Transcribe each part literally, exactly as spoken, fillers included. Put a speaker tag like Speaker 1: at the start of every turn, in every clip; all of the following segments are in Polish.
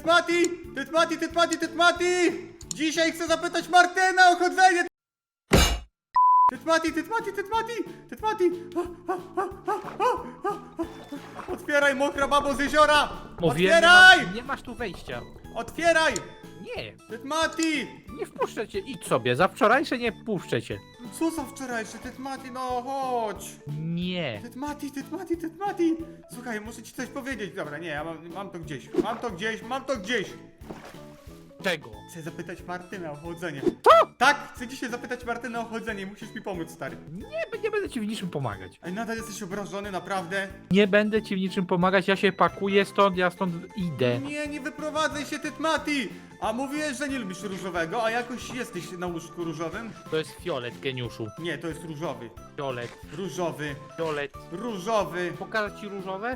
Speaker 1: Tytmati! Tytmati, Tytmati, Tytmati! Dzisiaj chcę zapytać Martyna o chodzenie! Tytmati, Tytmati, Tytmati! Tytmati! Otwieraj, mokra babo z jeziora!
Speaker 2: Mówiłem,
Speaker 1: Otwieraj!
Speaker 2: Nie, ma, nie masz tu wejścia.
Speaker 1: Otwieraj!
Speaker 2: Nie,
Speaker 1: Tytmati!
Speaker 2: nie wpuszczę cię. Idź sobie, za wczorajsze nie wpuszczę cię.
Speaker 1: Co za wczorajszy? Tytmati, no chodź!
Speaker 2: Nie.
Speaker 1: Tytmati, Tytmati, Tytmati! Słuchaj, muszę ci coś powiedzieć. Dobra, nie, ja mam, mam to gdzieś. Mam to gdzieś, mam to gdzieś!
Speaker 2: Czego?
Speaker 1: Chcę zapytać Martyna o chodzenie. Co? Tak, chcę dzisiaj zapytać Martyna o chodzenie. Musisz mi pomóc, stary.
Speaker 2: Nie, nie będę ci w niczym pomagać.
Speaker 1: Ej, nadal jesteś obrażony, naprawdę?
Speaker 2: Nie będę ci w niczym pomagać, ja się pakuję stąd, ja stąd idę.
Speaker 1: Nie, nie wyprowadzaj się, Tytmati! A mówiłeś, że nie lubisz różowego, a jakoś jesteś na łóżku różowym?
Speaker 2: To jest fiolet, geniuszu.
Speaker 1: Nie, to jest różowy.
Speaker 2: Fiolet,
Speaker 1: Różowy.
Speaker 2: fiolet.
Speaker 1: Różowy.
Speaker 2: Pokażę ci różowe?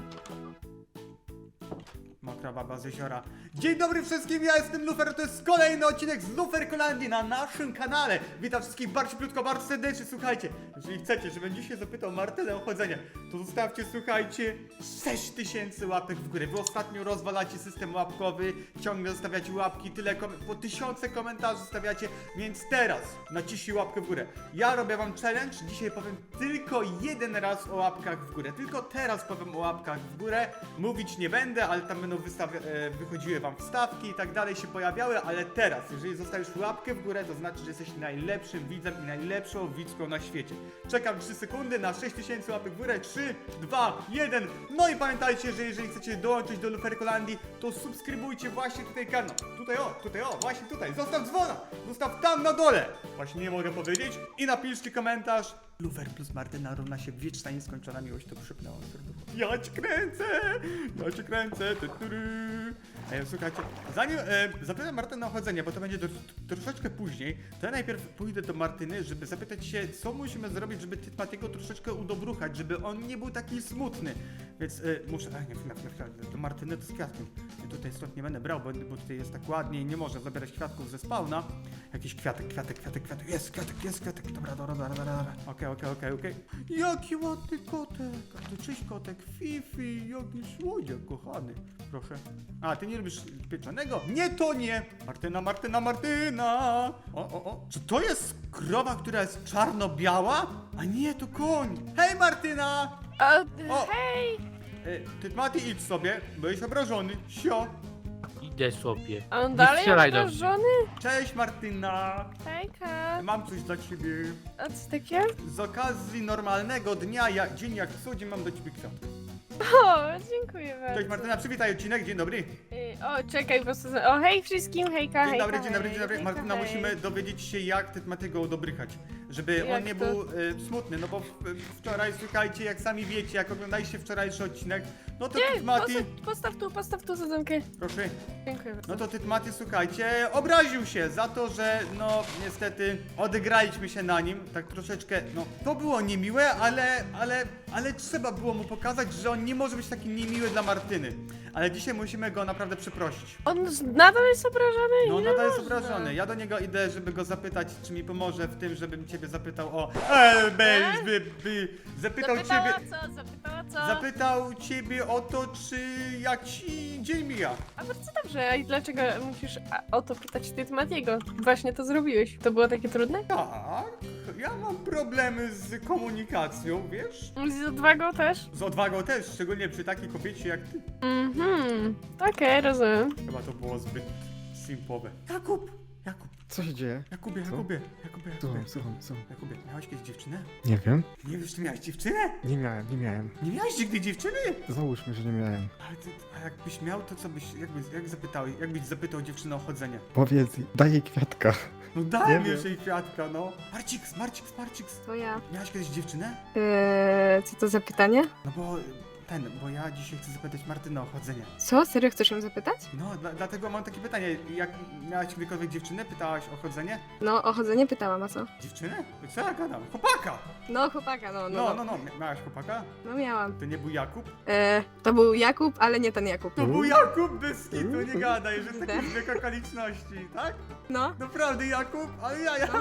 Speaker 1: Mokra baba z jeziora. Dzień dobry wszystkim, ja jestem Lufer, to jest kolejny odcinek z Luferkolandii na naszym kanale. Witam wszystkich bardzo krótko, bardzo serdecznie. Słuchajcie, jeżeli chcecie, żebym dzisiaj zapytał Martynę o chodzenie, to zostawcie, słuchajcie, sześć tysięcy łapek w górę. Wy ostatnio rozwalacie system łapkowy, ciągle zostawiacie łapki, tyle kom po tysiące komentarzy zostawiacie, więc teraz naciśnij łapkę w górę. Ja robię wam challenge, dzisiaj powiem tylko jeden raz o łapkach w górę. Tylko teraz powiem o łapkach w górę. Mówić nie będę, ale tam będą wystawia- e, wychodziły wam wstawki i tak dalej się pojawiały, ale teraz, jeżeli zostawisz łapkę w górę, to znaczy, że jesteś najlepszym widzem i najlepszą widzką na świecie. Czekam trzy sekundy na sześć tysięcy łapek w górę. trzy, dwa, jeden. No i pamiętajcie, że jeżeli chcecie dołączyć do Luferkolandii, to subskrybujcie właśnie tutaj kanał. Tutaj o, tutaj o, właśnie tutaj. Zostaw dzwona, zostaw tam na dole. Właśnie nie mogę powiedzieć. I napiszcie komentarz. Lufer plus Martyna równa się wieczna nieskończona miłość, to przypnęło serducho. Ja cię kręcę! Ja cię kręcę! Ty, ty, ty. E, słuchajcie, zanim e, zapytam Martynę o chodzenie, bo to będzie do, to, troszeczkę później, to ja najpierw pójdę do Martyny, żeby zapytać się, co musimy zrobić, żeby Tytmatiego troszeczkę udobruchać, żeby on nie był taki smutny. Więc e, muszę... A nie, chwila, chwila, chwila, do Martyny to z kwiatkiem. Ja tutaj stąd nie będę brał, bo, bo tutaj jest tak ładnie i nie można zabierać kwiatków ze spawna. Jakiś kwiatek, kwiatek, kwiatek, kwiatek. Jest kwiatek, jest kwiatek. Dobra, dobra, dobra, dobra, dobra. Okej, okej, okej, okej. Jaki ładny kotek. A to cześć kotek. Fifi, jaki słodziak, kochany. Proszę. A, ty nie lubisz pieczonego? Nie, to nie. Martyna, Martyna, Martyna. O, o, o. Czy to jest krowa, która jest czarno-biała? A nie, to koń. Hej, Martyna.
Speaker 3: O,
Speaker 1: O.
Speaker 3: hej!
Speaker 1: E, Tytmati, idź sobie, byłeś obrażony. Sio.
Speaker 2: Idę sobie.
Speaker 3: A on
Speaker 2: Nie
Speaker 3: dalej
Speaker 2: strzelaj do mnie.
Speaker 3: obrażony?
Speaker 1: Cześć, Martyna.
Speaker 3: Hejka!
Speaker 1: Mam coś dla ciebie.
Speaker 3: A co takie?
Speaker 1: Z okazji normalnego dnia, jak, dzień jak co, dzień mam do ciebie kwiatkę.
Speaker 3: O, dziękuję bardzo.
Speaker 1: Cześć Martyna, przywitaj odcinek, dzień dobry.
Speaker 3: Y, O, czekaj, po prostu... O, hej wszystkim, hejka,
Speaker 1: Dzień
Speaker 3: hejka,
Speaker 1: dobry, dzień dobry,
Speaker 3: hej,
Speaker 1: dzień dobry.
Speaker 3: hejka,
Speaker 1: Martyna,
Speaker 3: hej.
Speaker 1: musimy dowiedzieć się, jak Tytmatiego udobrychać. Żeby
Speaker 3: Jak
Speaker 1: on nie
Speaker 3: to?
Speaker 1: był y, smutny, no bo w, wczoraj, słuchajcie, jak sami wiecie, jak oglądaliście wczorajszy odcinek, no to
Speaker 3: Nie,
Speaker 1: Tytmati...
Speaker 3: postaw, postaw tu, postaw tu sadzonkę.
Speaker 1: Proszę.
Speaker 3: Dziękuję bardzo.
Speaker 1: No to Tytmati, słuchajcie, obraził się za to, że no niestety odegraliśmy się na nim, tak troszeczkę, no to było niemiłe, ale, ale, ale trzeba było mu pokazać, że on nie może być taki niemiły dla Martyny. Ale dzisiaj musimy go naprawdę przeprosić.
Speaker 3: On z- nadal jest obrażony?
Speaker 1: No
Speaker 3: Ile
Speaker 1: nadal jest
Speaker 3: można?
Speaker 1: obrażony. Ja do niego idę, żeby go zapytać, czy mi pomoże w tym, żebym ciebie zapytał o... E, be, by, by, zapytał
Speaker 3: Zapytała
Speaker 1: ciebie...
Speaker 3: co? Zapytała co?
Speaker 1: Zapytał ciebie o to, czy jak ci dzień mija.
Speaker 3: A bardzo dobrze, a i dlaczego musisz a, o to pytać Tytmatiego? Właśnie to zrobiłeś. To było takie trudne?
Speaker 1: Tak, ja mam problemy z komunikacją, wiesz?
Speaker 3: Z odwagą też?
Speaker 1: Z odwagą też, szczególnie przy takiej kobiecie jak ty.
Speaker 3: Mhm, okej, rozumiem.
Speaker 1: Chyba to było zbyt simpowe. Jakub! Jakub!
Speaker 4: Co się dzieje?
Speaker 1: Jakubie,
Speaker 4: Co?
Speaker 1: Jakubie, Jakubie, Jakubie.
Speaker 4: Słucham, słucham, słucham.
Speaker 1: Jakubie, miałeś kiedyś dziewczynę?
Speaker 4: Nie wiem.
Speaker 1: Nie wiesz, czy miałeś dziewczynę?
Speaker 4: Nie miałem, nie miałem.
Speaker 1: Nie miałeś nigdy dziewczyny?
Speaker 4: Załóżmy, że nie miałem.
Speaker 1: Ale ty, a jakbyś miał, to co byś, jakbyś, jak zapytałeś, jakbyś zapytał dziewczynę o chodzenie?
Speaker 4: Powiedz, daj jej kwiatka.
Speaker 1: No daj
Speaker 4: Nie
Speaker 1: mi już
Speaker 4: wiem.
Speaker 1: jej kwiatka, no. Marciks, Marciks, Marciks.
Speaker 5: To ja.
Speaker 1: Miałeś kiedyś dziewczynę?
Speaker 5: Eee, co to za pytanie?
Speaker 1: No bo ten, bo ja dzisiaj chcę zapytać Martynę o chodzenie.
Speaker 5: Co? Serio chcesz ją zapytać?
Speaker 1: No, dla, dlatego mam takie pytanie. Jak miałaś kiedykolwiek dziewczynę? Pytałaś o chodzenie?
Speaker 5: No, o chodzenie pytałam, a co?
Speaker 1: Dziewczynę? Co ja gadam? Chłopaka!
Speaker 5: No, chłopaka, no,
Speaker 1: No,
Speaker 5: no.
Speaker 1: no, no. Mia- Miałaś chłopaka?
Speaker 5: No miałam.
Speaker 1: To nie był Jakub?
Speaker 5: Eee, to był Jakub, ale nie ten Jakub.
Speaker 1: To był Jakub bez kitu, nie gadaj, że
Speaker 5: Tak.
Speaker 1: taki zbieg okoliczności, tak?
Speaker 5: No.
Speaker 1: Naprawdę Jakub? Ale ja, ja.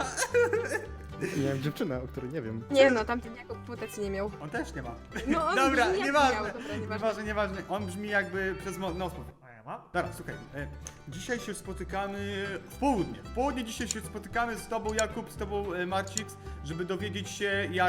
Speaker 4: Miałem dziewczynę, o której nie wiem.
Speaker 5: Nie no, tamten Jakub putacji nie miał.
Speaker 1: On też nie ma.
Speaker 5: No, on
Speaker 1: Dobra,
Speaker 5: brzmi jak
Speaker 1: nieważne.
Speaker 5: miał, dobra, nieważne.
Speaker 1: Nieważne, nieważne. On brzmi jakby przez mo- nos. mówi. Działa? Dobra, słuchaj, e, dzisiaj się spotykamy w południe. W południe dzisiaj się spotykamy z tobą, Jakub, z tobą, e, Marcix, żeby dowiedzieć się, jak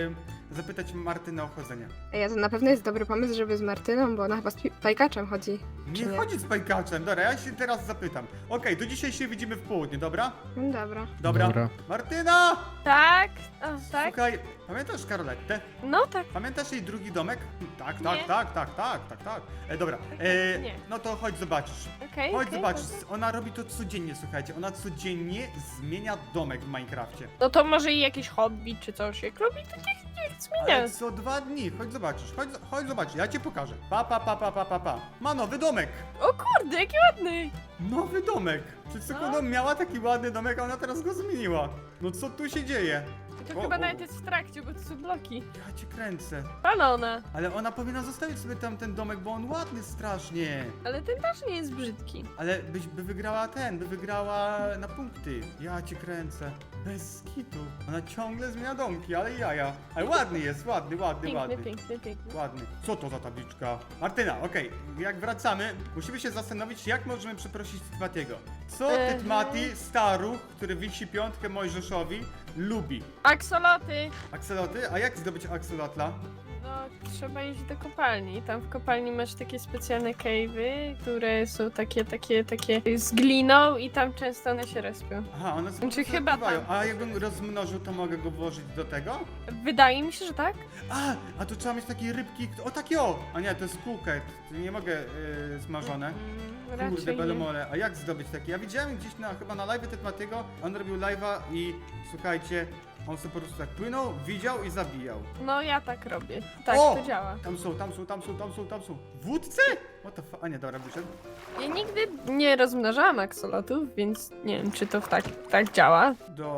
Speaker 1: e, zapytać Martynę o chodzenie.
Speaker 5: Ej, a to na pewno jest dobry pomysł, żeby z Martyną, bo ona chyba z pi- pajkaczem chodzi.
Speaker 1: Nie,
Speaker 5: Czy nie?
Speaker 1: chodzi z pajkaczem, dobra, ja się teraz zapytam. Okej, to dzisiaj się widzimy w południe, dobra?
Speaker 5: No dobra.
Speaker 1: Dobra.
Speaker 4: Dobra.
Speaker 1: Martyna!
Speaker 3: Tak? O, tak?
Speaker 1: Słuchaj, pamiętasz Karolettę?
Speaker 3: No tak.
Speaker 1: Pamiętasz jej drugi domek? Tak,
Speaker 3: Nie.
Speaker 1: tak, tak, tak, tak, tak, tak. E, dobra, e,
Speaker 3: Nie.
Speaker 1: no to chodź zobaczysz.
Speaker 3: Okej.
Speaker 1: Chodź
Speaker 3: okej,
Speaker 1: zobaczysz,
Speaker 3: dobra.
Speaker 1: ona robi to codziennie, słuchajcie, ona codziennie zmienia domek w Minecrafcie.
Speaker 3: No to może i jakieś hobby czy coś. Jak robi, to niech, niech zmienia.
Speaker 1: Ale co dwa dni, chodź zobaczysz, chodź, chodź zobaczysz, ja ci pokażę. Pa, pa, pa, pa, pa, pa, pa. Ma nowy domek,
Speaker 3: O kurde, jaki ładny.
Speaker 1: nowy domek. Przed sekundą miała taki ładny domek, a ona teraz go zmieniła. No co tu się dzieje?
Speaker 3: I to
Speaker 1: O,
Speaker 3: chyba
Speaker 1: o.
Speaker 3: nawet jest w trakcie, bo to są bloki.
Speaker 1: Ja cię kręcę.
Speaker 3: Palona.
Speaker 1: Ale ona powinna zostawić sobie tam ten domek, bo on ładny strasznie.
Speaker 3: Ale ten też nie jest brzydki.
Speaker 1: Ale byś, by wygrała ten, by wygrała na punkty. Ja cię kręcę. Bez kitu. Ona ciągle zmienia domki, ale jaja. Ale ładny jest, ładny, ładny,
Speaker 3: Piękny,
Speaker 1: ładny.
Speaker 3: piękny, piękny.
Speaker 1: Ładny. Co to za tabliczka? Martyna, okej, jak wracamy, musimy się zastanowić, jak możemy przeprosić Tytmatiego. Co
Speaker 3: Mhm.
Speaker 1: Tytmati, staruch, który wisi piątkę Mojżeszowi, lubi?
Speaker 3: Aksoloty.
Speaker 1: Akseloty? A jak zdobyć akselotla?
Speaker 3: No, trzeba iść do kopalni. Tam w kopalni masz takie specjalne cave'y, które są takie, takie, takie z gliną i tam często one się respią.
Speaker 1: Aha, one sobie
Speaker 3: Znaczy,
Speaker 1: po prostu
Speaker 3: chyba
Speaker 1: odpływają.
Speaker 3: tak.
Speaker 1: A jakbym rozmnożył, to mogę go włożyć do tego?
Speaker 3: Wydaje mi się, że tak.
Speaker 1: A, a tu trzeba mieć takie rybki, o takie o! A nie, to jest kółket, to nie mogę yy, smażone.
Speaker 3: Mm,
Speaker 1: Kurde,
Speaker 3: raczej nie.
Speaker 1: belemole, a jak zdobyć takie? Ja widziałem gdzieś na, chyba na live Tytmatiego, on robił live'a i słuchajcie, on sobie po prostu tak płynął, widział i zabijał.
Speaker 3: No ja tak robię. Tak,
Speaker 1: O!
Speaker 3: to działa.
Speaker 1: Tam są, tam są, tam są, tam są, tam są. Wódce? What the fuck? A nie, dobra, wyszedł.
Speaker 3: Ja nigdy nie rozmnażałam aksolotów, więc nie wiem, czy to w tak, tak działa.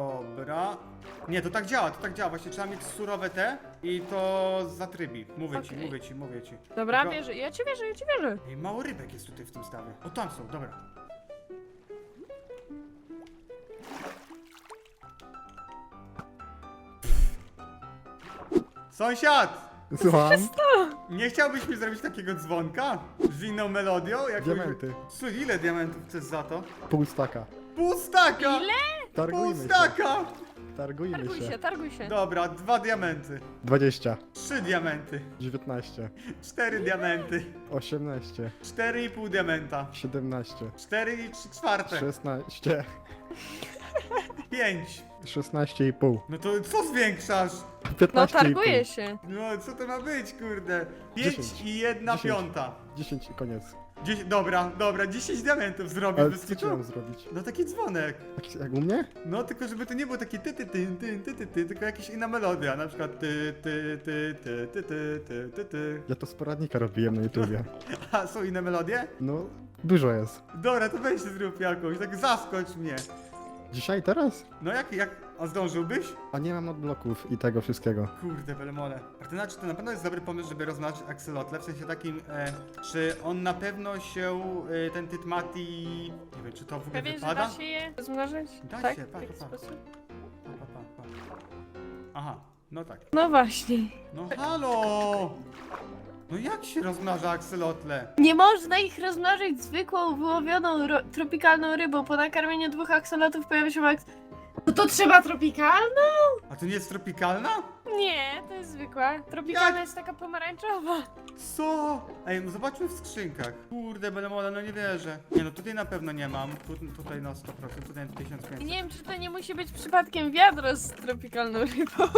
Speaker 1: Dobra. Nie, to tak działa, to tak działa. Właśnie trzeba mieć surowe te i to zatrybi. Mówię ci,
Speaker 3: Okej.
Speaker 1: mówię ci, mówię ci.
Speaker 3: Dobra,
Speaker 1: Tylko-
Speaker 3: wierzę. Ja ci wierzę, ja ci wierzę.
Speaker 1: Ej, mało rybek jest tutaj w tym stawie. O, tam są, dobra. Sąsiad!
Speaker 4: Słucham?
Speaker 1: Nie chciałbyś mi zrobić takiego dzwonka? Z inną melodią? Jakąś...
Speaker 4: Diamenty.
Speaker 1: Słuchaj, ile diamentów chcesz za to?
Speaker 4: Pół staka.
Speaker 1: Pół staka!
Speaker 3: Ile?
Speaker 1: Pół
Speaker 4: Targujmy się.
Speaker 1: staka!
Speaker 4: Targujmy
Speaker 3: Targuj
Speaker 4: się.
Speaker 3: się, targuj się.
Speaker 1: Dobra, dwa diamenty.
Speaker 4: dwadzieścia.
Speaker 1: Trzy diamenty.
Speaker 4: dziewiętnaście.
Speaker 1: Cztery diamenty.
Speaker 4: osiemnaście.
Speaker 1: Cztery i pół diamenta.
Speaker 4: siedemnaście.
Speaker 1: Cztery i trzy czwarte.
Speaker 4: szesnaście.
Speaker 1: Pięć.
Speaker 4: szesnaście i pół.
Speaker 1: No to co zwiększasz?
Speaker 3: No
Speaker 4: piętnaście i pół.
Speaker 3: targuję się.
Speaker 1: No co to ma być, kurde? Pięć
Speaker 4: Dziesięć.
Speaker 1: i jedna
Speaker 4: Dziesięć.
Speaker 1: piąta.
Speaker 4: dziesięć i koniec.
Speaker 1: Dziesię... Dobra, dobra, dziesięć diamentów zrobię
Speaker 4: Ale
Speaker 1: bez
Speaker 4: co ci
Speaker 1: kitu.
Speaker 4: mam zrobić?
Speaker 1: No taki dzwonek.
Speaker 4: Jak, jak u mnie?
Speaker 1: No tylko żeby to nie było takie ty ty ty ty ty ty ty, tylko jakaś inna melodia, na przykład ty ty ty ty ty ty ty ty ty.
Speaker 4: Ja to z poradnika robiłem na YouTubie.
Speaker 1: A są inne melodie?
Speaker 4: No, dużo jest.
Speaker 1: Dobra, to weź zrób jakąś, tak zaskocz mnie.
Speaker 4: Dzisiaj, teraz?
Speaker 1: No jak, jak, a zdążyłbyś?
Speaker 4: A nie mam odbloków i tego wszystkiego.
Speaker 1: Kurde, belemole. Martyna, czy to na pewno jest dobry pomysł, żeby rozmnażyć akselotle? W sensie takim, e, czy on na pewno się, e, ten Tytmati... Nie wiem, czy to w ogóle
Speaker 3: Pewien, że
Speaker 1: wypada?
Speaker 3: da się je rozmnażyć?
Speaker 1: Da
Speaker 3: tak?
Speaker 1: się,
Speaker 3: W
Speaker 1: pa,
Speaker 3: taki
Speaker 1: pa, pa.
Speaker 3: sposób?
Speaker 1: Pa, pa, pa, pa. Aha, no tak.
Speaker 3: No właśnie.
Speaker 1: No halo! No jak się rozmnaża akselotle?
Speaker 3: Nie można ich rozmnożyć zwykłą, wyłowioną, ro- tropikalną rybą. Po nakarmieniu dwóch aksolotów pojawia się aks... No to trzeba tropikalną?
Speaker 1: A to nie jest tropikalna?
Speaker 3: Nie, to jest zwykła. Tropikalna
Speaker 1: Jak?
Speaker 3: jest taka pomarańczowa.
Speaker 1: Co? Ej, no zobaczmy w skrzynkach. Kurde, belemole, no nie wierzę. Nie no, tutaj na pewno nie mam. Tu, tutaj na sto procent, tutaj na tysiąc
Speaker 3: I
Speaker 1: pięćset.
Speaker 3: nie wiem, czy to nie musi być przypadkiem wiadro z tropikalną rybą.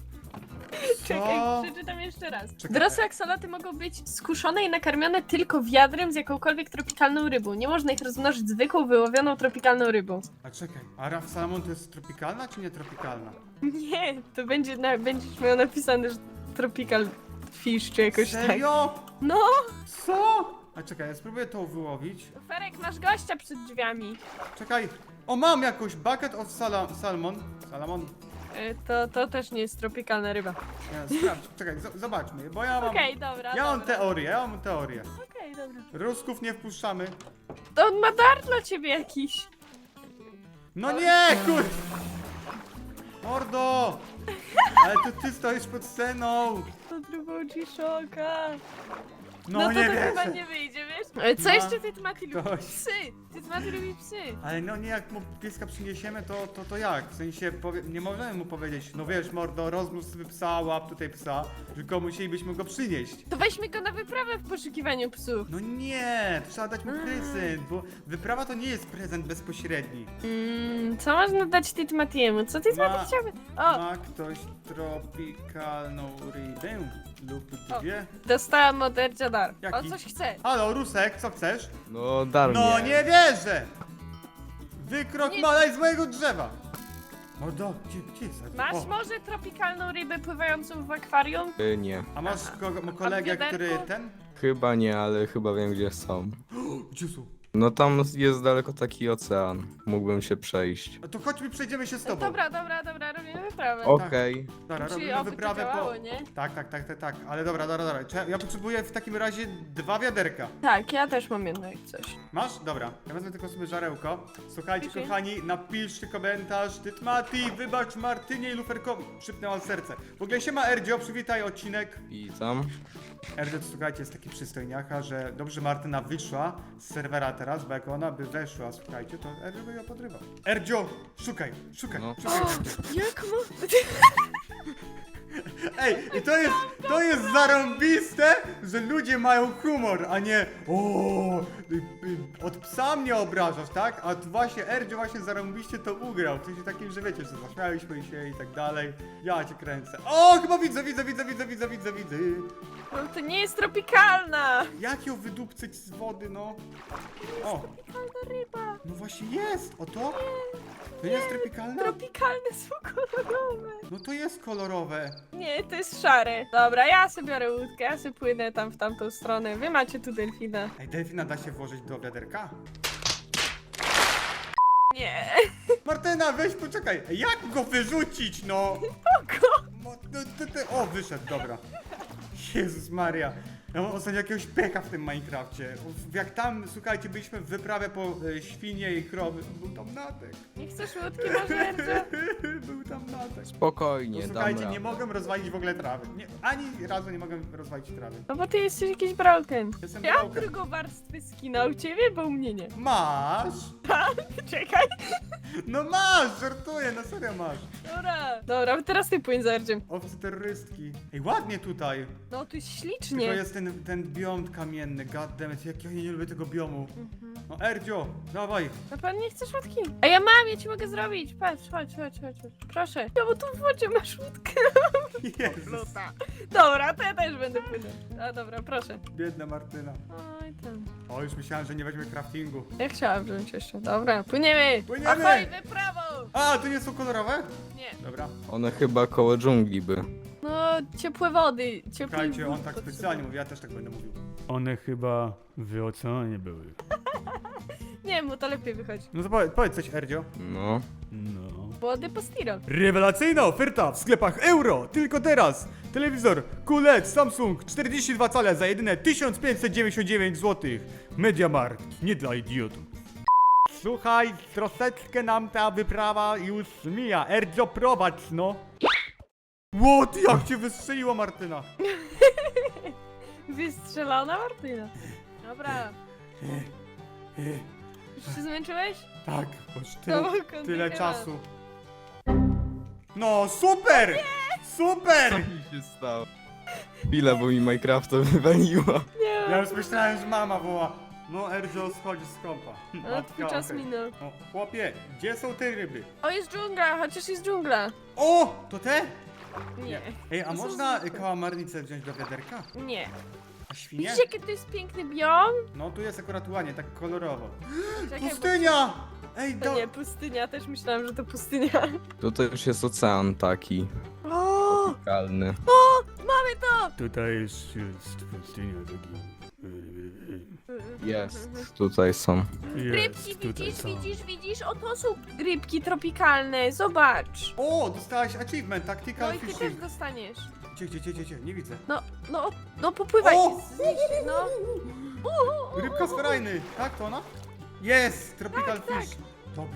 Speaker 3: Czekaj, przeczytam jeszcze raz.
Speaker 1: Czekaj.
Speaker 3: Dorosłe aksoloty mogą być skuszone i nakarmione tylko wiadrem z jakąkolwiek tropikalną rybą. Nie można ich rozmnożyć zwykłą, wyłowioną tropikalną rybą.
Speaker 1: A czekaj, a Raf Salmon to jest tropikalna czy nie tropikalna?
Speaker 3: Nie, to będzie na, będziesz miał napisane, że tropical fish czy jakoś tak.
Speaker 1: Serio?
Speaker 3: No,
Speaker 1: Co? A czekaj, ja spróbuję to wyłowić.
Speaker 3: Ferek, masz gościa przed drzwiami.
Speaker 1: Czekaj. O, mam jakąś bucket of sala salmon. Salamon.
Speaker 3: Y, To, to też nie jest tropikalna ryba.
Speaker 1: Nie, sprawdź, czekaj, z- zobaczmy, bo ja mam...
Speaker 3: Okej, dobra,
Speaker 1: Ja mam
Speaker 3: dobra.
Speaker 1: teorię, ja mam teorię.
Speaker 3: Okej, dobra.
Speaker 1: Rusków nie wpuszczamy.
Speaker 3: To on ma dar dla ciebie jakiś.
Speaker 1: No nie, kur... Mordo! Ale to ty stoisz pod sceną.
Speaker 3: To drugą ci szoka.
Speaker 1: No,
Speaker 3: No, to
Speaker 1: nie
Speaker 3: to chyba
Speaker 1: wierzę.
Speaker 3: nie wyjdzie, wiesz? Ale co
Speaker 1: Ma
Speaker 3: jeszcze ty Mati lubi?
Speaker 1: ktoś-
Speaker 3: Psy! Ty Mati lubi psy!
Speaker 1: Ale no nie, jak mu pieska przyniesiemy, to, to, to jak? W sensie, powie, nie możemy mu powiedzieć, no wiesz mordo, rozmnóż sobie psa, łap tutaj psa, tylko musielibyśmy go przynieść.
Speaker 3: To weźmy go na wyprawę w poszukiwaniu psów.
Speaker 1: No nie, trzeba dać mu
Speaker 3: A.
Speaker 1: prezent, bo wyprawa to nie jest prezent bezpośredni.
Speaker 3: Mm, co można dać Titmatiemu? Co Titmati
Speaker 1: Ma-
Speaker 3: chciałby? O,
Speaker 1: Ma ktoś tropikalną rybę lub
Speaker 3: O.
Speaker 1: dwie?
Speaker 3: dostałam od Erdzia dar.
Speaker 1: Jaki?
Speaker 3: On coś chce.
Speaker 1: Halo, Rusek, co chcesz?
Speaker 6: No, dar
Speaker 1: No
Speaker 6: mnie.
Speaker 1: nie wierzę! Wykrok
Speaker 3: Nie-
Speaker 1: malej z mojego drzewa! Mordo, gdzie, gdzie jest?
Speaker 3: Masz
Speaker 1: O,
Speaker 3: może tropikalną rybę pływającą w akwarium?
Speaker 6: Y, nie.
Speaker 1: a masz kogo, mo- kolegę,
Speaker 3: wiaderko?
Speaker 1: który ten?
Speaker 6: Chyba nie, ale chyba wiem gdzie są.
Speaker 1: Gdzie są?
Speaker 6: No tam jest daleko taki ocean. Mógłbym się przejść.
Speaker 1: A to chodźmy, przejdziemy się z tobą.
Speaker 3: Dobra, dobra, dobra, robimy wyprawę.
Speaker 6: Okej.
Speaker 1: Dobra,
Speaker 3: Czyli
Speaker 1: robimy
Speaker 3: oby to
Speaker 1: wyprawę
Speaker 3: działało,
Speaker 1: po...
Speaker 3: nie?
Speaker 1: Tak, tak, tak, tak, tak, ale dobra, dobra, dobra. Cze- Ja potrzebuję w takim razie dwa wiaderka.
Speaker 3: Tak, ja też mam jedno jak coś.
Speaker 1: Masz? Dobra. Ja wezmę tylko sobie żarełko. Słuchajcie,
Speaker 3: Piszę.
Speaker 1: kochani, napiszcie komentarz. Tytmati, wybacz Martynie i Luferko. Szybnęłam serce. W ogóle się ma Erdzio, przywitaj odcinek.
Speaker 6: I tam.
Speaker 1: Erdzio, to słuchajcie, jest taki przystojniaka, że dobrze Martyna wyszła z serwera teraz, bo jak ona by weszła, słuchajcie, to Erdzio by ją podrywał. Erdzio, szukaj, szukaj,
Speaker 6: No.
Speaker 1: szukaj.
Speaker 3: Jak mo...
Speaker 1: Ej, i to jest, to jest zarąbiste, że ludzie mają humor, a nie o, y, y, od psa mnie obrażasz, tak? A tu właśnie Erdzio właśnie zarąbiście to ugrał, w sensie takim, że wiecie, że zaśmialiśmy się i tak dalej. Ja cię kręcę. O, chyba widzę, widzę, widzę, widzę, widzę, widzę, widzę.
Speaker 3: No to nie jest tropikalna!
Speaker 1: Jak ją wydupcyć z wody, no? O,
Speaker 3: Tropikalna ryba!
Speaker 1: no właśnie jest, o to? To nie jest tropikalne?
Speaker 3: Tropikalne są kolorowe!
Speaker 1: No to jest kolorowe.
Speaker 3: Nie, to jest szare. Dobra, ja sobie biorę łódkę, ja sobie płynę tam w tamtą stronę. Wy macie tu delfina.
Speaker 1: Ej, delfina da się włożyć do wiaderka?
Speaker 3: Nie.
Speaker 1: Martyna, weź poczekaj, jak go wyrzucić, no?
Speaker 3: Oko!
Speaker 1: Mo- no, ty, ty, o, wyszedł, dobra. Jezus Maria. Ja mam ostatnio jakiegoś pecha w tym Minecrafcie. Jak tam, słuchajcie, byliśmy w wyprawie po e, świnie i krowy, był tam natek.
Speaker 3: Nie chcesz łódki może, Erdzio?
Speaker 1: Był tam natek. No,
Speaker 6: Spokojnie, dam
Speaker 1: słuchajcie,
Speaker 6: radę.
Speaker 1: nie mogę rozwalić w ogóle trawy. Nie, ani razu nie mogę rozwalić trawy.
Speaker 3: No bo ty jesteś jakiś broken.
Speaker 1: Jestem
Speaker 3: Ja mam
Speaker 1: broken.
Speaker 3: drugą warstwę skina u ciebie, bo u mnie nie.
Speaker 1: Masz?
Speaker 3: Czekaj.
Speaker 1: No masz, żartuję, no serio masz.
Speaker 3: Dobra. Dobra, teraz ty płyń za Erdziem.
Speaker 1: Owce terrorystki. Ej, ładnie tutaj.
Speaker 3: No tu jest
Speaker 1: Tylko
Speaker 3: ślicznie.
Speaker 1: jest ten, ten biom kamienny, goddammit, jak ja nie lubię tego biomu. No Erdzio, dawaj.
Speaker 3: Na pewno nie chcesz łódki? A ja mam, ja ci mogę zrobić. Patrz, chodź, chodź, chodź. chodź. Proszę. Ja bo tu w wodzie masz łódkę.
Speaker 1: Jezus,
Speaker 3: Dobra, to ja też będę płynąć. A dobra, proszę.
Speaker 1: biedna Martyna.
Speaker 3: Oj tam.
Speaker 1: O, już myślałem, że nie weźmie craftingu.
Speaker 3: Ja chciałam wziąć jeszcze. Dobra, płyniemy.
Speaker 1: Płyniemy!
Speaker 3: Ahoj, wyprawą!
Speaker 1: A, to nie są kolorowe?
Speaker 3: Nie.
Speaker 1: Dobra.
Speaker 6: One chyba koło dżungli by.
Speaker 3: No, ciepłe wody. Ciepły
Speaker 1: Słuchajcie, on
Speaker 3: wód
Speaker 1: tak
Speaker 3: potrzebuję.
Speaker 1: specjalnie mówi, ja też tak będę mówił.
Speaker 7: One chyba w oceanie były.
Speaker 3: Nie, mu to lepiej wychodzi.
Speaker 1: No to powiedz, powiedz coś, Erdzio.
Speaker 6: No.
Speaker 7: No.
Speaker 3: Wody po stiro.
Speaker 1: Rewelacyjna oferta w sklepach euro! Tylko teraz! Telewizor Q L E D Samsung czterdzieści dwa cale za jedyne tysiąc pięćset dziewięćdziesiąt dziewięć złotych. MediaMarkt, nie dla idiotów. Słuchaj, troszeczkę nam ta wyprawa już mija. Erdzio, prowadź, no. What? Jak cię wystrzeliła Martyna?
Speaker 3: Wystrzelona Martyna. Dobra. Już się zmęczyłeś?
Speaker 1: Tak, już
Speaker 3: To
Speaker 1: tyle,
Speaker 3: kontynuuj.
Speaker 1: tyle czasu. No, super! Super!
Speaker 6: Co mi się stało? Chwila, bo mi Minecrafta wywaliło.
Speaker 3: Nie.
Speaker 1: Ja już myślałem, że mama woła. No, Erdzio, schodzi z kąpa.
Speaker 3: No, twój czas
Speaker 1: okej.
Speaker 3: minął.
Speaker 1: O, chłopie, gdzie są te ryby?
Speaker 3: O, jest dżungla, chociaż jest dżungla.
Speaker 1: O, to te?
Speaker 3: Nie.
Speaker 1: Ej, a
Speaker 3: To są
Speaker 1: można
Speaker 3: zwykłe.
Speaker 1: kałamarnicę wziąć do wiaderka?
Speaker 3: Nie.
Speaker 1: A świnie?
Speaker 3: Widzisz, jaki to jest piękny biom?
Speaker 1: No, tu jest akurat ładnie, tak kolorowo.
Speaker 3: Czekaj, bo-
Speaker 1: Pustynia! Ej,
Speaker 3: To
Speaker 1: do...
Speaker 3: nie, pustynia, też myślałam, że to pustynia.
Speaker 6: Tutaj już jest ocean taki.
Speaker 3: O,
Speaker 6: Kalny.
Speaker 3: o, mamy to!
Speaker 7: Tutaj jest, jest pustynia taki.
Speaker 6: Jest. Tutaj są.
Speaker 3: Rybki,
Speaker 7: Jest, tutaj
Speaker 3: widzisz,
Speaker 7: są.
Speaker 3: widzisz, widzisz? O, to są rybki tropikalne, zobacz.
Speaker 1: O, dostałaś achievement,
Speaker 3: No
Speaker 1: tactical
Speaker 3: i ty też
Speaker 1: fishing.
Speaker 3: dostaniesz.
Speaker 1: Gdzie, gdzie, gdzie, gdzie, gdzie? Nie widzę.
Speaker 3: No, no, no popływaj.
Speaker 1: O!
Speaker 3: Znieś się, no. U, u, u,
Speaker 1: Rybka z
Speaker 3: u, u.
Speaker 1: ferajny, tak to ona? Jest, tropical
Speaker 3: Tak, tak.
Speaker 1: fish. Dobra,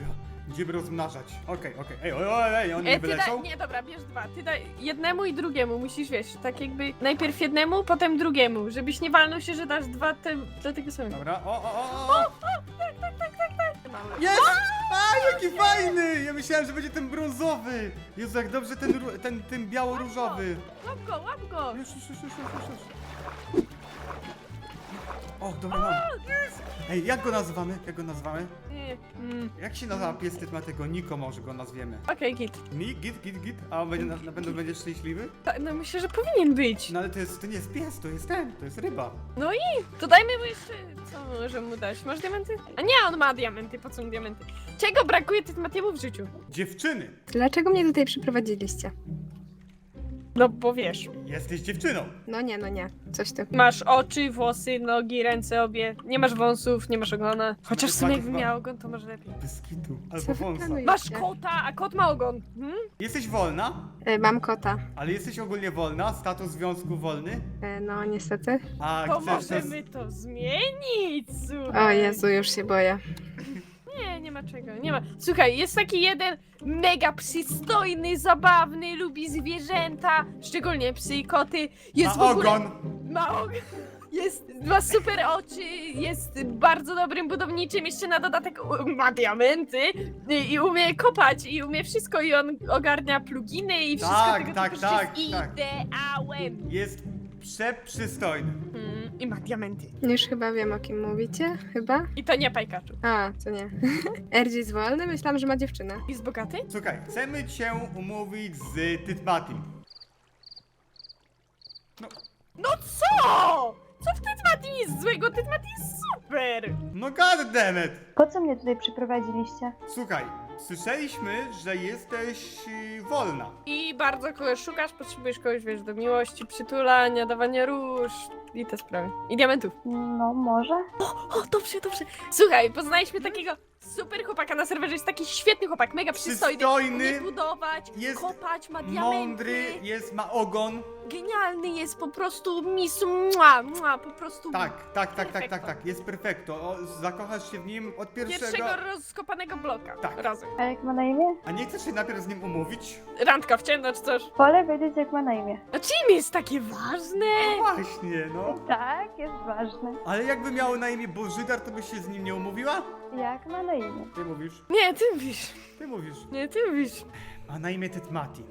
Speaker 1: Będziemy rozmnażać. Okej, okej. Ej, oj, oj, ej, oni
Speaker 3: E,
Speaker 1: nie
Speaker 3: ty daj,
Speaker 1: wylecą?
Speaker 3: nie, dobra, bierz dwa. Ty daj jednemu i drugiemu, musisz, wiesz, tak jakby najpierw jednemu, potem drugiemu, żebyś nie walnął się, że dasz dwa te, do tego samego.
Speaker 1: Dobra, o, o, o, o!
Speaker 3: Mały.
Speaker 1: Jest! A, jaki fajny! Ja myślałem, że będzie ten brązowy. Jezu, jak dobrze ten, ró- ten, ten biało-różowy.
Speaker 3: Łap go, łap go!
Speaker 1: Już, już, już, już, już, już. O, dobra, mam. Ej, jak go nazywamy? Jak go nazywamy?
Speaker 3: Nie, mm,
Speaker 1: Jak się nazywa pies Tytmatego? Niko może go nazwiemy.
Speaker 3: Okej, git.
Speaker 1: Mi? Git, git, git? A on będzie, na, na pewno będzie szczęśliwy?
Speaker 3: Ta- No myślę, że powinien być.
Speaker 1: No ale to jest, to nie jest pies, to jest ten, to jest ryba.
Speaker 3: No i to dajmy mu jeszcze, co możemy mu dać? Masz diamenty? A nie, on ma diamenty, po co mu diamenty? Czego brakuje Tytmatiemu w życiu?
Speaker 1: Dziewczyny!
Speaker 5: Dlaczego mnie tutaj przyprowadziliście?
Speaker 3: No bo wiesz,
Speaker 1: Jesteś dziewczyną!
Speaker 5: No nie, no nie. Coś tu.
Speaker 3: masz oczy, włosy, nogi, ręce obie, nie masz wąsów, nie masz ogona. Chociaż w sumie jakby miał ogon, to może lepiej.
Speaker 1: Bez kitu.
Speaker 5: Co
Speaker 1: Albo
Speaker 5: wy
Speaker 1: wąsa.
Speaker 5: planujecie?
Speaker 3: Masz kota, a kot ma ogon. Hmm?
Speaker 1: Jesteś wolna?
Speaker 5: E, mam kota.
Speaker 1: Ale jesteś ogólnie wolna? Status związku wolny?
Speaker 5: E, no niestety.
Speaker 1: A
Speaker 3: To
Speaker 1: chcesz nas...
Speaker 3: możemy to zmienić, słuchaj.
Speaker 5: O Jezu, już się boję.
Speaker 3: Nie, nie ma czego, nie ma. Słuchaj, jest taki jeden mega przystojny, zabawny, lubi zwierzęta, szczególnie psy i koty. Jest
Speaker 1: Ma
Speaker 3: w ogóle...
Speaker 1: ogon!
Speaker 3: Ma ogon. Jest, ma super oczy, jest bardzo dobrym budowniczym, jeszcze na dodatek u- ma diamenty i, i umie kopać i umie wszystko i on ogarnia pluginy i wszystko
Speaker 1: Tak,
Speaker 3: tego
Speaker 1: tak,
Speaker 3: typu,
Speaker 1: tak,
Speaker 3: jest
Speaker 1: tak.
Speaker 3: ideałem.
Speaker 1: Jest przeprzystojny.
Speaker 3: Mm, I ma diamenty.
Speaker 5: Już chyba wiem, o kim mówicie. Chyba?
Speaker 3: I to nie Pajkaczu.
Speaker 5: A, to nie. R G jest wolny? Myślałam, że ma dziewczynę.
Speaker 3: Jest bogaty?
Speaker 1: Słuchaj, chcemy cię umówić z Tytmatim.
Speaker 3: No co? Co w Tytmati jest złego? Tytmati jest super!
Speaker 1: No goddammit!
Speaker 8: Po co mnie tutaj przyprowadziliście?
Speaker 1: Słuchaj, słyszeliśmy, że jesteś y, wolna.
Speaker 3: I bardzo kogoś szukasz, potrzebujesz kogoś, wiesz, do miłości, przytulania, dawania róż i te sprawy. I diamentów.
Speaker 8: No, może?
Speaker 3: O, dobrze, dobrze. Słuchaj, poznaliśmy takiego super chłopaka na serwerze, jest taki świetny chłopak, mega przystojny.
Speaker 1: Przystojny,
Speaker 3: Umie budować,
Speaker 1: jest
Speaker 3: kopać, ma diamenty.
Speaker 1: mądry, jest, ma ogon.
Speaker 3: Genialny jest, po prostu misu, mua, mua, po prostu
Speaker 1: Tak, tak, tak, tak, tak,
Speaker 3: Perfekto.
Speaker 1: tak, jest perfekto. O, zakochasz się w nim od pierwszego.
Speaker 3: pierwszego rozkopanego bloka.
Speaker 1: Tak.
Speaker 3: Razem.
Speaker 8: A jak ma na imię?
Speaker 1: A nie chcesz się najpierw z nim umówić?
Speaker 3: Randka w ciemno czy coś.
Speaker 8: Wolę wiedzieć, jak ma na imię.
Speaker 3: A czym jest takie ważne?
Speaker 1: Właśnie, no.
Speaker 8: Tak, jest ważne.
Speaker 1: Ale jakby miało na imię Bożydar, to byś się z nim nie umówiła?
Speaker 8: Jak ma na imię?
Speaker 1: Ty mówisz,
Speaker 3: Nie, ty mówisz.
Speaker 1: ty mówisz.
Speaker 3: Nie, ty mówisz.
Speaker 1: Ma na imię Tytmati.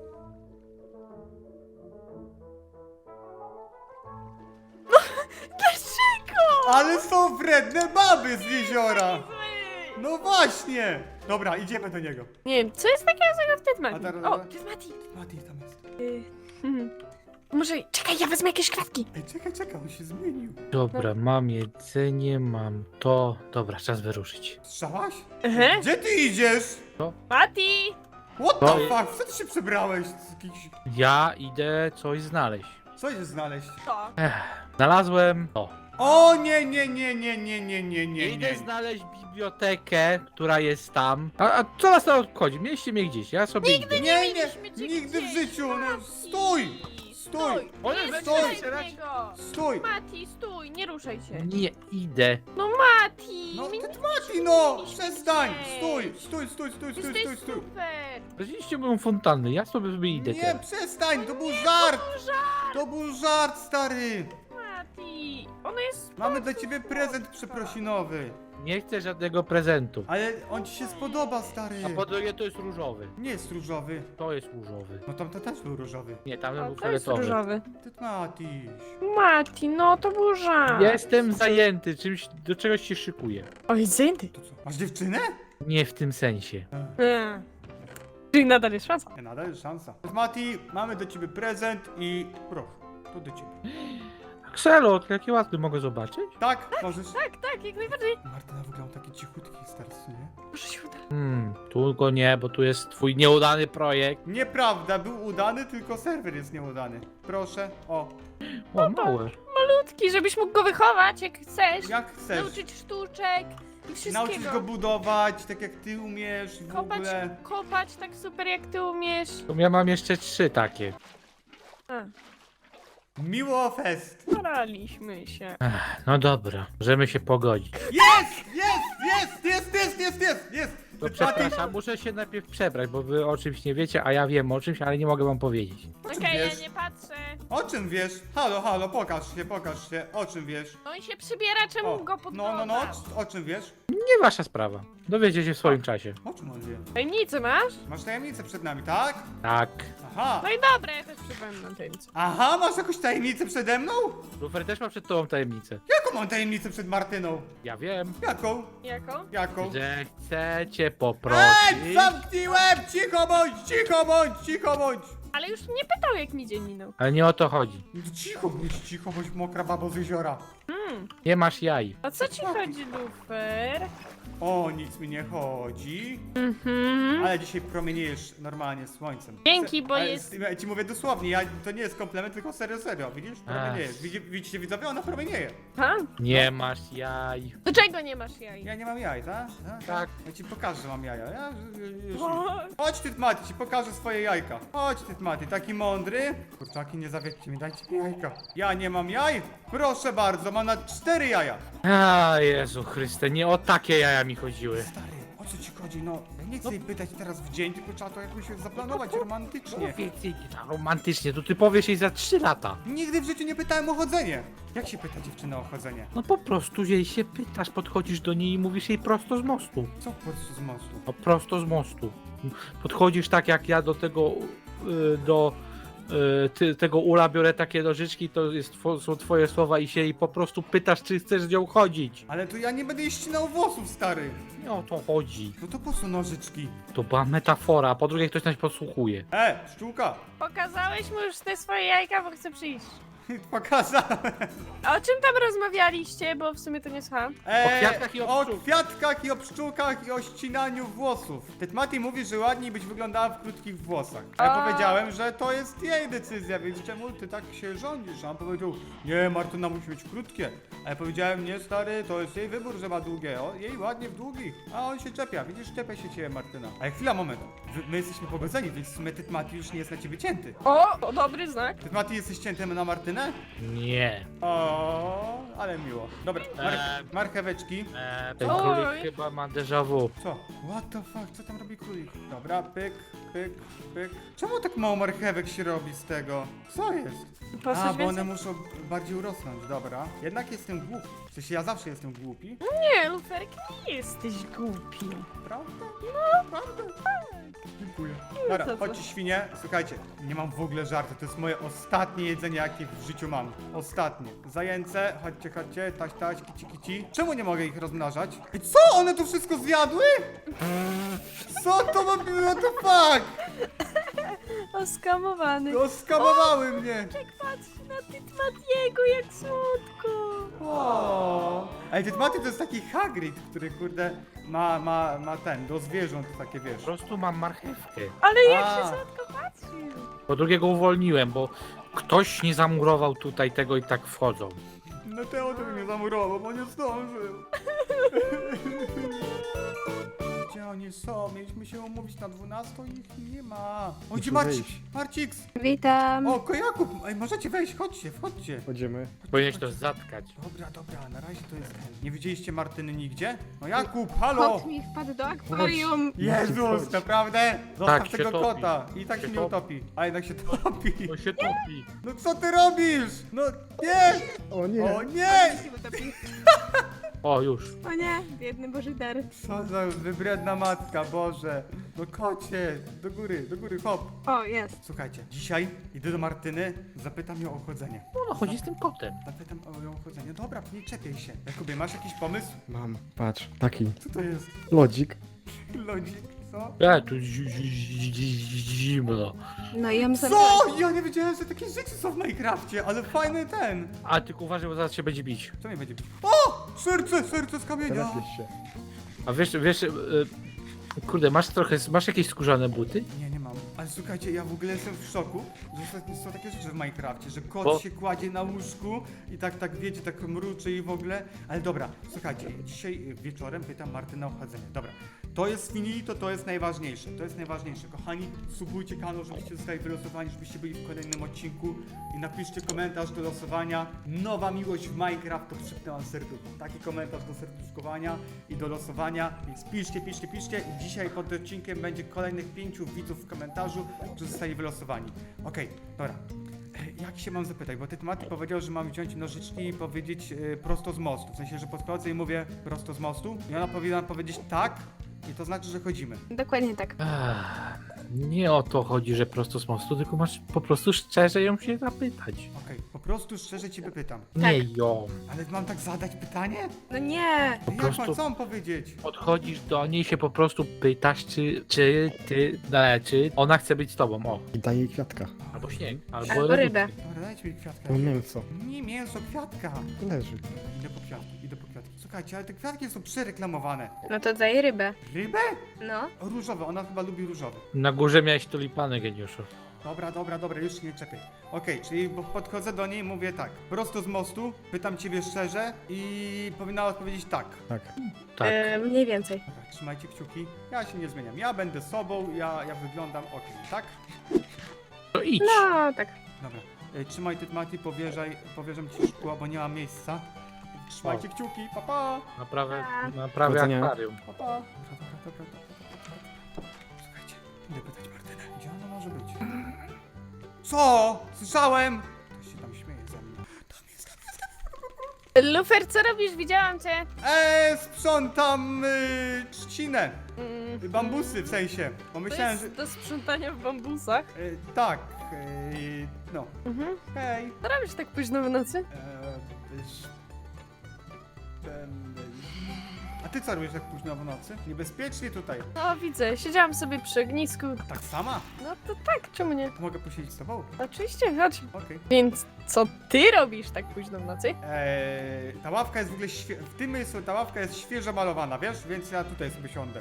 Speaker 3: Dlaczego?
Speaker 1: Ale są wredne baby z jeziora!
Speaker 3: Zły.
Speaker 1: No właśnie! Dobra, idziemy do niego.
Speaker 3: Nie wiem, co jest takiego złego w
Speaker 1: A
Speaker 3: Tytmati?
Speaker 1: teraz-
Speaker 3: O, Tytmati.
Speaker 1: Tytmati tam jest.
Speaker 3: Mhm. Może, czekaj, ja wezmę jakieś kwiatki.
Speaker 1: Ej, czekaj, czekaj, on się zmienił.
Speaker 2: Dobra, mam jedzenie, mam to. Dobra, czas wyruszyć.
Speaker 1: Strzałaś?
Speaker 3: Aha.
Speaker 1: Gdzie ty idziesz?
Speaker 3: Mati!
Speaker 1: What
Speaker 2: To
Speaker 1: the
Speaker 2: jest-
Speaker 1: fuck? Co ty się przebrałeś? Jakiś...
Speaker 2: Ja idę coś znaleźć.
Speaker 1: Co idziesz znaleźć?
Speaker 3: To.
Speaker 2: Ech, znalazłem to.
Speaker 1: O nie, nie, nie, nie, nie, nie, nie, nie,
Speaker 2: Idę
Speaker 1: nie.
Speaker 2: znaleźć bibliotekę, która jest tam. A, a co was to obchodzi? Mieliście mnie gdzieś, ja sobie idę.
Speaker 1: Nie,
Speaker 3: mieliśmy
Speaker 1: nie,
Speaker 3: cię
Speaker 1: nigdy w
Speaker 3: gdzieś,
Speaker 1: życiu! No,
Speaker 3: Mati.
Speaker 1: stój! Stój!
Speaker 2: O,
Speaker 3: Nie
Speaker 2: nie,
Speaker 3: strzelaj
Speaker 1: stój.
Speaker 3: w niego!
Speaker 1: Stój!
Speaker 3: Mati, stój, nie ruszaj się.
Speaker 2: Nie idę.
Speaker 3: No Mati!
Speaker 1: No,
Speaker 3: my
Speaker 1: Tytmati, no!
Speaker 3: mieliśmy
Speaker 1: Przestań!
Speaker 3: gdzieś.
Speaker 1: Stój, stój, stój, stój, stój,
Speaker 3: Jesteś
Speaker 1: stój, stój!
Speaker 3: super!
Speaker 2: Weźliście moją fontannę, ja sobie, sobie idę
Speaker 1: Nie,
Speaker 2: teraz.
Speaker 1: przestań! To był żart!
Speaker 3: Żart,
Speaker 1: To był żart, stary!
Speaker 3: Mati! Ona jest...
Speaker 1: Mamy dla ciebie prezent przeprosinowy.
Speaker 2: Nie chcę żadnego prezentu.
Speaker 1: Ale on ci się spodoba, stary.
Speaker 2: A po drugie to jest różowy.
Speaker 1: Nie jest różowy.
Speaker 2: To jest różowy.
Speaker 1: No tam to też był różowy.
Speaker 2: Nie, tamten
Speaker 3: O,
Speaker 2: był
Speaker 3: to jest
Speaker 2: fioletowy.
Speaker 3: różowy.
Speaker 1: Tytmatiś.
Speaker 3: Mati, no to był żart.
Speaker 2: Jestem zajęty, czymś, do czegoś się szykuję.
Speaker 3: Oj, zajęty.
Speaker 1: To co? Masz dziewczynę?
Speaker 2: Nie w tym sensie.
Speaker 3: Eee. Czyli nadal jest szansa.
Speaker 1: Nie, nadal jest szansa. Tytmati, mamy do ciebie prezent i proszę, to do ciebie.
Speaker 2: Axelot, jakie ładne mogę zobaczyć?
Speaker 1: Tak, możesz.
Speaker 3: Tak, tak, jak najbardziej.
Speaker 1: Martyna wygląda taki cichutki starszy, nie?
Speaker 3: Może się uda.
Speaker 2: Hmm, tu go nie, bo tu jest twój nieudany projekt.
Speaker 1: Nieprawda, był udany, tylko serwer jest nieudany. Proszę, o,
Speaker 2: O, małe.
Speaker 3: Malutki, żebyś mógł go wychować, jak chcesz.
Speaker 1: jak chcesz.
Speaker 3: Nauczyć sztuczek i wszystkiego.
Speaker 1: Nauczyć go budować, tak jak ty umiesz w
Speaker 3: kopać,
Speaker 1: ogóle.
Speaker 3: kopać tak super jak ty umiesz.
Speaker 2: To ja mam jeszcze trzy takie.
Speaker 3: A,
Speaker 1: Miło fest.
Speaker 3: staraliśmy się.
Speaker 2: No dobra, możemy się pogodzić.
Speaker 1: Jest! Jest! Jest! Jest! Jest! Jest! Jest! Jest!
Speaker 2: To
Speaker 1: Tytmaty,
Speaker 2: przepraszam, muszę się najpierw przebrać, bo wy o czymś nie wiecie, a ja wiem o czymś, ale nie mogę wam powiedzieć.
Speaker 1: o czym
Speaker 3: Okej, ja
Speaker 1: wiesz?
Speaker 3: nie patrzę.
Speaker 1: O czym wiesz? Halo, halo, pokaż się, pokaż się. O czym wiesz?
Speaker 3: On się przybiera, czemu
Speaker 1: O,
Speaker 3: go
Speaker 1: no,
Speaker 3: podglądasz?
Speaker 1: no, no, o czym wiesz?
Speaker 2: Nie wasza sprawa. Dowiecie się w swoim czasie.
Speaker 1: O czym on wie?
Speaker 3: Tajemnicę masz?
Speaker 1: Masz tajemnicę przed nami, tak?
Speaker 2: Tak.
Speaker 1: Aha.
Speaker 3: No i dobra, ja też przypomnę tajemnicę.
Speaker 1: Aha, masz jakąś tajemnicę przede mną?
Speaker 2: Lufer też ma przed tobą tajemnicę.
Speaker 1: Jaką mam tajemnicę przed Martyną?
Speaker 2: Ja wiem,
Speaker 1: Jaką?
Speaker 3: Jaką?
Speaker 1: Jaką?
Speaker 2: że chcecie
Speaker 1: Ej,
Speaker 2: poprosić...
Speaker 1: zamknij łeb! Cicho bądź, cicho bądź, cicho bądź!
Speaker 3: Ale już mnie pytał, jak mi dzień minął.
Speaker 2: Ale nie o to chodzi.
Speaker 1: No cicho bądź, cicho bądź, mokra babo z jeziora.
Speaker 2: Nie masz jaj.
Speaker 3: O co ci chodzi, Lufer?
Speaker 1: O, nic mi nie chodzi.
Speaker 3: Mhm.
Speaker 1: Ale dzisiaj promieniejesz normalnie słońcem.
Speaker 3: Dzięki, bo
Speaker 1: Ale
Speaker 3: jest-
Speaker 1: Ja ci mówię dosłownie, ja, to nie jest komplement, tylko serio, serio. Widzisz? Promieniejesz. Widzi, widzicie widzowie? Ona promienieje.
Speaker 3: Ha?
Speaker 2: Nie masz jaj.
Speaker 3: Do czego nie masz jaj?
Speaker 1: Ja nie mam jaj, tak?
Speaker 2: Tak.
Speaker 1: Ja ci pokażę, że mam jaja. Ja, już,
Speaker 3: O,
Speaker 1: chodź ty, Mati, ci pokażę swoje jajka. Chodź ty, Mati, taki mądry. Kurczaki, nie zawiedźcie mi, dajcie mi jajka. Ja nie mam jaj? Proszę bardzo, mam na cztery jaja.
Speaker 2: A Jezu Chryste, nie o takie jaja mi chodziły.
Speaker 1: Stary, o co ci chodzi? No, ja nie chcę jej pytać teraz w dzień, tylko trzeba to jakoś zaplanować romantycznie.
Speaker 2: Więcej tak romantycznie, to ty powiesz jej za trzy lata.
Speaker 1: Nigdy w życiu nie pytałem o chodzenie. Jak się pyta dziewczyna o chodzenie?
Speaker 2: No po prostu jej się pytasz, podchodzisz do niej i mówisz jej prosto z mostu.
Speaker 1: Co po prostu z mostu?
Speaker 2: No prosto z mostu. Podchodzisz tak jak ja do tego, y, do y, ty, tego ula biorę takie nożyczki, to jest, two- są twoje słowa i się jej po prostu pytasz, czy chcesz z nią chodzić.
Speaker 1: Ale to ja nie będę jej ścinał włosów, stary.
Speaker 2: Nie o to chodzi.
Speaker 1: No to po co nożyczki?
Speaker 2: To była metafora, a po drugie ktoś nas podsłuchuje.
Speaker 1: E, szczółka.
Speaker 3: pokazałeś mu już te swoje jajka, bo chcę przyjść.
Speaker 1: Pokazałem.
Speaker 3: A o czym tam rozmawialiście, bo w sumie to nie słucham.
Speaker 1: E,
Speaker 2: O kwiatkach i o
Speaker 1: o
Speaker 2: pszczółkach.
Speaker 1: kwiatkach i o pszczółkach i o ścinaniu włosów. Tetmati mówi, że ładniej byś wyglądała w krótkich włosach. A ja
Speaker 3: A.
Speaker 1: powiedziałem, że to jest jej decyzja, więc czemu ty tak się rządzisz? A on powiedział, nie, Martyna musi mieć krótkie. A ja powiedziałem, nie stary, to jest jej wybór, że ma długie. O, jej ładnie w długich. A on się czepia, widzisz, czepia się ciebie Martyna. Ale chwila, moment. Wy- My jesteśmy pogodzeni, więc w sumie Tetmati już nie jest na ciebie cięty.
Speaker 3: O, to dobry znak.
Speaker 1: Tetmati, jesteś cięty na Martynę?
Speaker 2: Nie.
Speaker 1: O, ale miło. Dobra, mar
Speaker 2: Eee.
Speaker 1: marcheweczki.
Speaker 2: Eee, ten
Speaker 3: Oj.
Speaker 2: królik chyba ma déjà vu.
Speaker 1: Co? What the fuck? Co tam robi królik? Dobra, pyk, pyk, pyk. Czemu tak mało marchewek się robi z tego? Co jest?
Speaker 3: Po
Speaker 1: A,
Speaker 3: coś
Speaker 1: bo one
Speaker 3: więcej?
Speaker 1: muszą bardziej urosnąć, dobra. Jednak jestem głupi. W sensie ja zawsze jestem głupi.
Speaker 3: Nie, Luferek, nie jesteś głupi.
Speaker 1: Prawda? No, prawda. Dziękuję. Dobra,
Speaker 3: co, co?
Speaker 1: chodźcie świnie. Słuchajcie, nie mam w ogóle żartu. To jest moje ostatnie jedzenie, jakie w życiu mam. Ostatnie. Zajęce, chodźcie, chodźcie, taś, taś, kici, kici. Czemu nie mogę ich rozmnażać? Ej, co? One to wszystko zjadły? Co to ma być? What the fuck?
Speaker 3: Oskamowany.
Speaker 1: No, skamowały mnie.
Speaker 3: Patrz na Tytmatiego, jak słodko.
Speaker 1: O. Ej, Tytmaty to jest taki Hagrid, który kurde ma, ma, ma ten, do zwierząt takie, wiesz.
Speaker 2: Po prostu mam marchewkę.
Speaker 3: Ale jak
Speaker 1: A.
Speaker 3: się słodko patrzy.
Speaker 2: Po drugie go uwolniłem, bo ktoś nie zamurował tutaj tego i tak wchodzą.
Speaker 1: No Teo to mnie zamurował, bo nie zdążył. Gdzie oni są? Mieliśmy się umówić na dwunastą i ich nie ma. O, gdzie
Speaker 4: Muszę
Speaker 1: Marcik?
Speaker 4: wyjść.
Speaker 1: Marciks!
Speaker 5: Witam.
Speaker 1: O, Kojakub! Ej, możecie wejść, chodźcie, wchodźcie.
Speaker 4: Chodzimy.
Speaker 2: Powinieneś to zatkać.
Speaker 1: Dobra, dobra, na razie to jest ten. Nie widzieliście Martyny nigdzie? No Jakub, halo!
Speaker 5: Kot mi wpadł do akwarium.
Speaker 1: Jezus,
Speaker 4: Chodź.
Speaker 1: naprawdę? Zostaw
Speaker 2: Tak, się
Speaker 1: tego
Speaker 2: topi.
Speaker 1: kota. I tak się,
Speaker 2: Się
Speaker 1: nie
Speaker 2: topi.
Speaker 1: utopi. A jednak się topi.
Speaker 2: To się topi.
Speaker 1: No co ty robisz? No nie!
Speaker 4: O nie!
Speaker 1: O nie!
Speaker 2: O, już.
Speaker 5: O nie, biedny Boży dar.
Speaker 1: Co za wybredna matka, Boże. No kocie, do góry, do góry, hop.
Speaker 5: O, jest.
Speaker 1: Słuchajcie, dzisiaj idę do Martyny, zapytam ją o chodzenie.
Speaker 2: No, chodzi z tym kotem.
Speaker 1: Zapytam o ją o chodzenie. Dobra, nie czepiaj się. Jakubie, masz jakiś pomysł?
Speaker 4: Mam, patrz, taki.
Speaker 1: Co to jest?
Speaker 4: Lodzik.
Speaker 1: Lodzik, co?
Speaker 2: Ja tu zi- zi- zi- zi- zimno.
Speaker 5: No i ją
Speaker 1: Co?
Speaker 5: zabrać.
Speaker 1: Ja nie wiedziałem, że takie rzeczy są w Minecrafcie, ale fajny ten.
Speaker 2: A tylko uważaj, bo zaraz się będzie bić.
Speaker 1: Co mnie będzie? O! Serce, serce z kamienia.
Speaker 4: Teraz się.
Speaker 2: A wiesz, wiesz, y, kurde, masz trochę, masz jakieś skórzane buty?
Speaker 1: Nie, nie mam. Ale słuchajcie, ja w ogóle jestem w szoku, że są- są takie rzeczy w Minecrafcie, że kot
Speaker 2: Bo-
Speaker 1: się kładzie na łóżku i tak, tak wiecie, tak mruczy i w ogóle. Ale dobra, słuchajcie, dzisiaj wieczorem pytam Martynę o chodzenie. Dobra, to jest finito, to jest najważniejsze. To jest najważniejsze. Kochani, subujcie kanał, żebyście zostali wylosowani, żebyście byli w kolejnym odcinku i napiszcie komentarz do losowania. Nowa miłość w Minecraft, to przypnę wam serducho. Taki komentarz do serduszkowania i do losowania. Więc piszcie, piszcie, piszcie i dzisiaj pod odcinkiem będzie kolejnych pięciu widzów w komentarzu, którzy zostali wylosowani. Okej, dobra. E, Jak się mam zapytać, bo ty Maty powiedział, że mam wziąć nożyczki i powiedzieć e, prosto z mostu. W sensie, że podchodzę i mówię prosto z mostu i ona powinna powiedzieć tak i to znaczy, że chodzimy.
Speaker 5: Dokładnie tak.
Speaker 2: Ech, nie o to chodzi, że prosto z mostu, tylko masz po prostu szczerze ją się zapytać.
Speaker 1: Okej, po prostu szczerze ciebie pytam.
Speaker 2: Nie ją.
Speaker 1: Ale mam tak zadać pytanie?
Speaker 5: No nie!
Speaker 1: Jak
Speaker 2: prostu-
Speaker 1: mam, co mam powiedzieć?
Speaker 2: Podchodzisz do niej się po prostu pytasz, czy, czy ty, no, czy ona chce być z tobą, o.
Speaker 4: I daję jej kwiatka.
Speaker 2: Albo śnieg, albo,
Speaker 5: Albo rybę.
Speaker 1: Dobra, dajcie mi kwiatka.
Speaker 4: No mięso.
Speaker 1: Nie mięso, kwiatka.
Speaker 4: Leży.
Speaker 1: Idę po kwiatki, idę po kwiatki. Słuchajcie, ale te kwiatki są przereklamowane.
Speaker 5: No to daj rybę.
Speaker 1: Rybę?
Speaker 5: No.
Speaker 1: Różowe, ona chyba lubi różowe.
Speaker 2: Na górze miałeś tulipany, geniuszu.
Speaker 1: Dobra, dobra, dobra, już się nie czepiaj. Okej, czyli bo- podchodzę do niej i mówię tak. Prosto z mostu, pytam ciebie szczerze i powinna odpowiedzieć tak.
Speaker 4: Tak.
Speaker 2: Tak.
Speaker 5: E, mniej więcej.
Speaker 1: Dobra, trzymajcie kciuki. Ja się nie zmieniam. Ja będę sobą, ja, ja wyglądam okej, tak?
Speaker 2: To idź.
Speaker 5: No, tak.
Speaker 1: Dobra. E, trzymaj ty, Mati, powierzaj, powierzam ci szkło, bo nie ma miejsca. Trzymajcie kciuki, pa pa!
Speaker 2: Naprawę, naprawę
Speaker 4: Powodzenia.
Speaker 2: akwarium.
Speaker 1: Pa pa! Dobra, dobra, dobra, dobra. Słuchajcie, idę pytać Martynę, gdzie ona może być? Co? Słyszałem! Ktoś się tam śmieje ze mnie. Tam jest, tam jest, tam jest.
Speaker 3: Lufer, co robisz? Widziałam cię.
Speaker 1: Eee, sprzątam y, trzcinę.
Speaker 3: Mm,
Speaker 1: Y, Bambusy w sensie. Bo
Speaker 3: To
Speaker 1: myślałem, że...
Speaker 3: jest do sprzątania w bambusach.
Speaker 1: Y, tak, y, no.
Speaker 3: Mhm.
Speaker 1: Hej.
Speaker 3: Co robisz tak późno w nocy?
Speaker 1: Eee, wiesz... Ten... A ty co robisz tak późno w nocy? Niebezpiecznie tutaj.
Speaker 3: No widzę, siedziałam sobie przy ognisku.
Speaker 1: Tak sama?
Speaker 3: No to tak, czemu nie?
Speaker 1: Mogę posiedzieć z tobą?
Speaker 3: Oczywiście, chodź.
Speaker 1: Okej.
Speaker 3: Więc co ty robisz tak późno w nocy?
Speaker 1: Eee, ta ławka jest w ogóle świe... w tym miejscu ta ławka jest świeżo malowana, wiesz? Więc ja tutaj sobie siądę.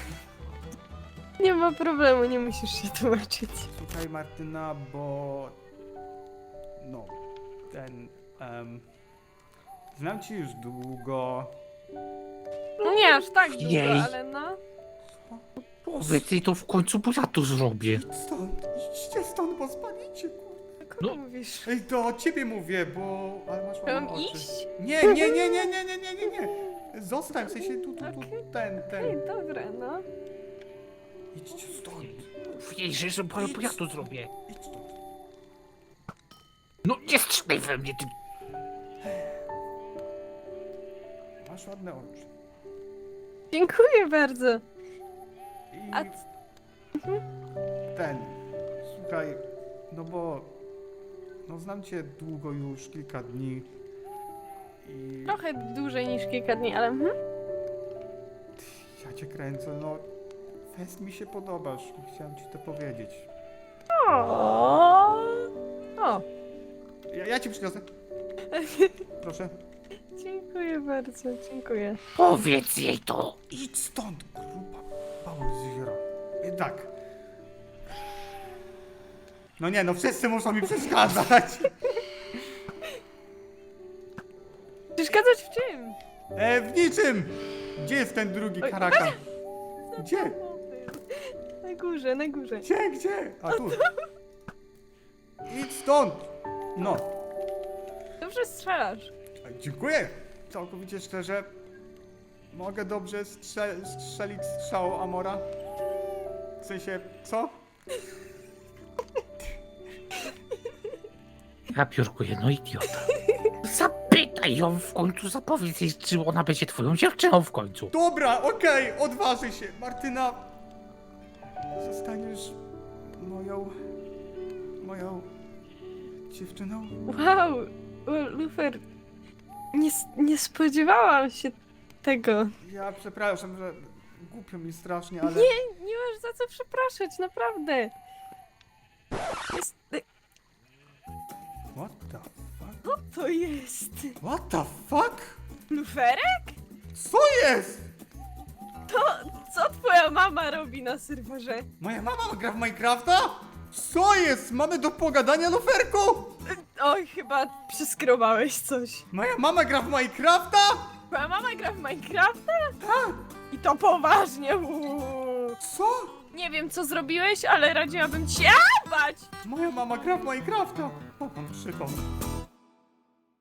Speaker 3: Nie ma problemu, nie musisz się tłumaczyć.
Speaker 1: Słuchaj Martyna, bo... No... Ten... Um... Znam cię już długo...
Speaker 3: No nie aż tak długo,
Speaker 2: Jej.
Speaker 3: ale no.
Speaker 2: Powiedz jej to w końcu, bo ja tu zrobię.
Speaker 1: Idź stąd, idźcie stąd, bo spalicie, kurde.
Speaker 3: Kogo
Speaker 2: No.
Speaker 3: mówisz?
Speaker 1: Ej, to o ciebie mówię, bo... Ale masz ładne
Speaker 3: Mam
Speaker 1: oczy.
Speaker 3: iść?
Speaker 1: Nie, nie, nie, nie, nie, nie, nie, nie, nie. Zostań, w sensie tu, tu, tu,
Speaker 3: Okej.
Speaker 1: ten,
Speaker 3: Ej,
Speaker 1: ten.
Speaker 3: dobra, no.
Speaker 1: Idźcie stąd.
Speaker 2: Mów jej, że bo bo ja to zrobię.
Speaker 1: Idź stąd.
Speaker 2: No nie strzelaj we mnie, ty...
Speaker 1: Masz ładne oczy.
Speaker 3: Dziękuję bardzo.
Speaker 1: I
Speaker 3: A
Speaker 1: ten... Słuchaj, no bo... No znam cię długo już, kilka dni. I...
Speaker 3: trochę dłużej niż kilka dni, ale mhm.
Speaker 1: Ja cię kręcę, no... Fest mi się podobasz, chciałem ci to powiedzieć.
Speaker 3: O. O.
Speaker 1: Ja, ja ci przyniosę. Proszę.
Speaker 3: Dziękuję bardzo, dziękuję.
Speaker 2: Powiedz jej to.
Speaker 1: Idź stąd, gruba bałoziera. I tak. No nie, no wszyscy muszą mi przeszkadzać.
Speaker 3: Przeszkadzać w czym?
Speaker 1: E, w niczym. Gdzie jest ten drugi
Speaker 3: Oj.
Speaker 1: karakan? Gdzie?
Speaker 3: Na górze, na górze.
Speaker 1: Gdzie, gdzie? A tu. Idź stąd. No.
Speaker 3: Dobrze strzelasz.
Speaker 1: Dziękuję. Całkowicie szczerze. Mogę dobrze strze strzelić strzał Amora? W sensie, co?
Speaker 2: Ja piórkuję, no idiota. Zapytaj ją w końcu, zapowiedz jej, czy ona będzie twoją dziewczyną w końcu.
Speaker 1: Dobra, okej, odważy się. Martyna, zostaniesz moją, moją dziewczyną?
Speaker 3: Wow, o, Lufer. Nie, s- nie spodziewałam się tego.
Speaker 1: Ja przepraszam, że głupio mi strasznie, ale...
Speaker 3: Nie, nie masz za co przepraszać, naprawdę. Jest...
Speaker 1: What the fuck?
Speaker 3: Co to jest?
Speaker 1: What the fuck?
Speaker 3: Luferek?
Speaker 1: Co jest?
Speaker 3: To co twoja mama robi na serwerze?
Speaker 1: Moja mama gra w Minecrafta? Co jest? Mamy do pogadania, luferku?
Speaker 3: Oj, chyba przyskrobałeś coś.
Speaker 1: Moja mama gra w Minecrafta?
Speaker 3: Twoja mama gra w Minecrafta?
Speaker 1: Tak.
Speaker 3: I to to poważnie. Uuu.
Speaker 1: Co?
Speaker 3: Nie wiem, co zrobiłeś, ale radziłabym ci... A, bać!
Speaker 1: Moja mama gra w Minecrafta. O, mam przypał.